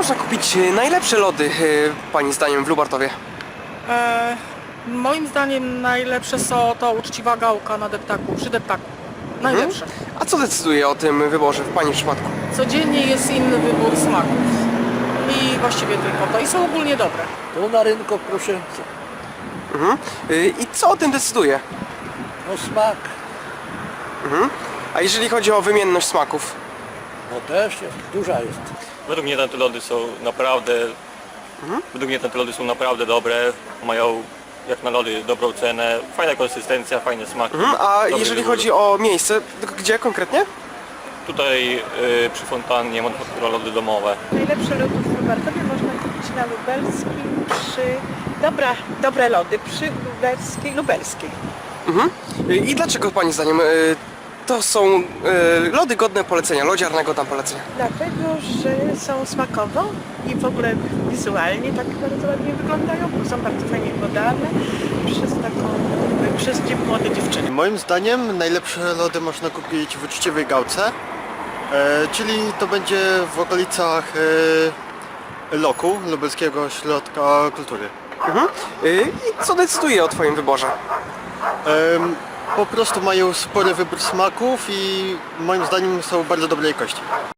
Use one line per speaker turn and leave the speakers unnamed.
można kupić najlepsze lody, Pani zdaniem, w Lubartowie?
Moim zdaniem najlepsze są to uczciwa gałka na deptaku, przy deptaku. Najlepsze.
A co decyduje o tym wyborze w Pani przypadku?
Codziennie jest inny wybór smaków. I właściwie tylko to. I są ogólnie dobre.
To na rynku proszę.
I co o tym decyduje?
No smak,
A jeżeli chodzi o wymienność smaków?
no też jest, duża jest.
Według mnie te lody są naprawdę, według mnie te lody są naprawdę dobre, mają jak na lody dobrą cenę, fajna konsystencja, fajne smaki.
A
dobry
jeżeli
wybór.
chodzi o miejsce, gdzie konkretnie?
Tutaj przy fontannie manufaktura lody domowe.
Najlepsze lody w Lubartowie można kupić na Lubelskim dobre lody przy Lubelskiej.
I dlaczego Pani zdaniem to są lody godne polecenia, lodziarnego tam polecenia?
Dlatego, że są smakowo i w ogóle wizualnie tak bardzo ładnie wyglądają, bo są bardzo fajnie podane przez młode dziewczyny.
Moim zdaniem najlepsze lody można kupić w uczciwej gałce, czyli to będzie w okolicach Loku, Lubelskiego Ośrodka Kultury.
I co decyduje o Twoim wyborze?
Po prostu mają spory wybór smaków i moim zdaniem są bardzo dobrej jakości.